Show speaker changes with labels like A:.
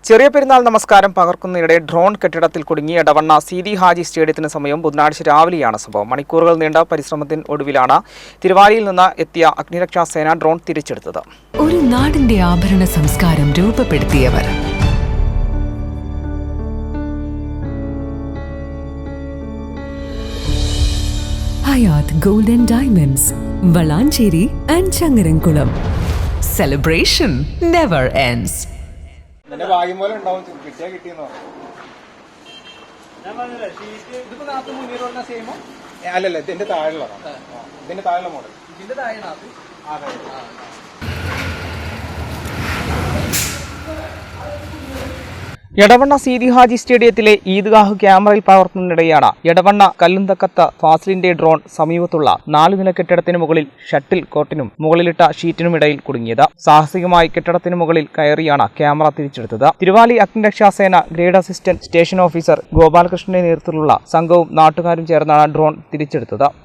A: ചെറിയ പെരുന്നാൾ നമസ്കാരം പകർക്കുന്നതിനിടെ ഡ്രോൺ കെട്ടിടത്തിൽ കുടുങ്ങി എടവണ്ണ സീതി ഹാജി സ്റ്റേഡിയത്തിന് സമയം ബുധനാഴ്ച രാവിലെയാണ് സംഭവം. മണിക്കൂറുകൾ നീണ്ട പരിശ്രമത്തിന് ഒടുവിലാണ് തിരുവാലിയിൽ നിന്ന് എത്തിയ അഗ്നിരക്ഷാസേന ഡ്രോൺ തിരിച്ചെടുത്തത്.
B: ഒരു നാടിന്റെ ആഭരണ സംസ്കാരം രൂപപ്പെടുത്തിയവർ Hayath gold and diamonds, Valanchery and Changaramkulam. Celebration never ends.
A: അല്ലല്ല, ഇതിന്റെ താഴെയുള്ളതാണ്. ഇതിന്റെ താഴെയുള്ള മോഡൽ. ഇതിന്റെ താഴെ എടവണ്ണ സീതി ഹാജി സ്റ്റേഡിയത്തിലെ ഈദ്ഗാഹ് ക്യാമറയിൽ പകർത്തുന്നതിനിടെയാണ് എടവണ്ണ കല്ലുന്തക്കത്ത് ഫാസിലിന്റെ ഡ്രോൺ സമീപത്തുള്ള 4 നില കെട്ടിടത്തിന് മുകളിൽ ഷട്ടിൽ കോർട്ടിനും മുകളിലിട്ട ഷീറ്റിനുമിടയിൽ കുടുങ്ങിയത്. സാഹസികമായി കെട്ടിടത്തിന് മുകളിൽ കയറിയാണ് ക്യാമറ തിരിച്ചെടുത്തത്. തിരുവാലി അഗ്നിരക്ഷാസേന ഗ്രേഡ് അസിസ്റ്റന്റ് സ്റ്റേഷൻ ഓഫീസർ ഗോപാലകൃഷ്ണന്റെ നേതൃത്വത്തിലുള്ള സംഘവും നാട്ടുകാരും ചേർന്നാണ് ഡ്രോൺ തിരിച്ചെടുത്തത്.